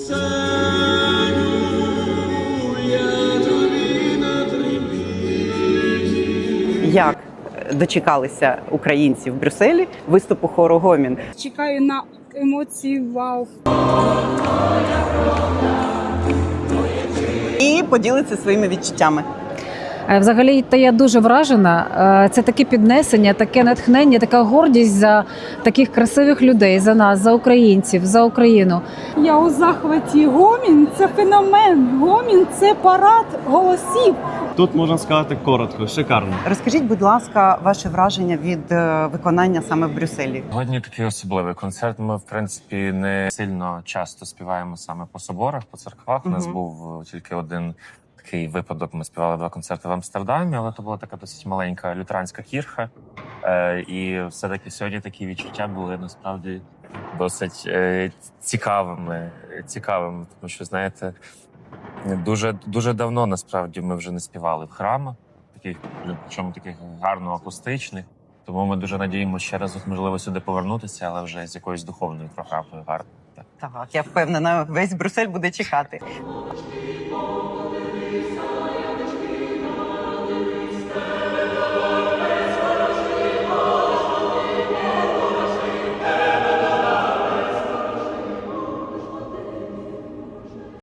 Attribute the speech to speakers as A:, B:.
A: Як дочекалися українці в Брюсселі виступу хору «Гомін»?
B: Чекаю на емоції вау.
A: І поділиться своїми відчуттями.
C: Взагалі, та я дуже вражена. Це таке піднесення, таке натхнення, така гордість за таких красивих людей, за нас, за українців, за Україну.
B: Я у захваті. Гомін – це феномен. Гомін – це парад голосів.
D: Тут можна сказати коротко, шикарно.
A: Розкажіть, будь ласка, ваше враження від виконання саме в Брюсселі.
E: Сьогодні такий особливий концерт. Ми, в принципі, не сильно часто співаємо саме по соборах, по церквах. У нас був тільки один такий випадок. Ми співали 2 концерти в Амстердамі, але це була така досить маленька лютеранська кірха. І все-таки сьогодні такі відчуття були насправді досить цікавими, тому що, знаєте, дуже давно насправді ми вже не співали в храмах, причому таких гарно акустичних. Тому ми дуже надіємося ще раз, можливо, сюди повернутися, але вже з якоюсь духовною програмою гарно.
A: Так, я впевнена, весь Брюссель буде чекати.